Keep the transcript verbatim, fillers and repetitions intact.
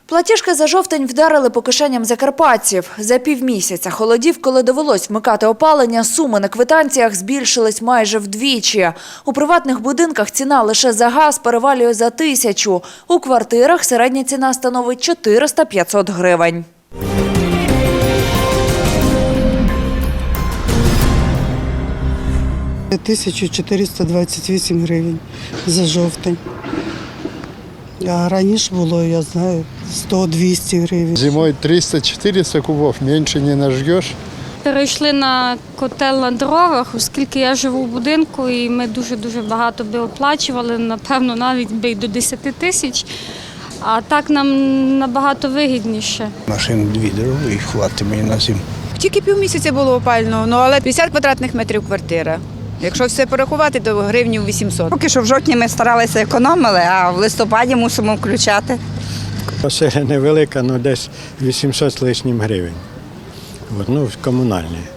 Платіжки за жовтень вдарили по кишеням закарпатців. За півмісяця холодів, коли довелось вмикати опалення, суми на квитанціях збільшились майже вдвічі. У приватних будинках ціна лише за газ перевалює за тисячу. У квартирах середня ціна становить чотириста-п'ятсот гривень. тисяча чотириста двадцять вісім гривень за жовтень. А раніше було, я знаю, сто-двісті гривень. Зимой триста-чотириста кубов, менше не нажгеш. Перейшли на котел на дровах, оскільки я живу в будинку і ми дуже-дуже багато би оплачували, напевно, навіть би й до десяти тисяч. А так нам набагато вигідніше. Машин дві дороги і хватить мені на зиму. Тільки півмісяця було опально, ну, але п'ятдесят квадратних метрів квартира. Якщо все порахувати, то гривнів вісімсот. Поки що в жовтні ми старалися економили, а в листопаді мусимо включати. Оселя невелика, ну десь вісімсот з лишнім гривень. От, ну, комунальні.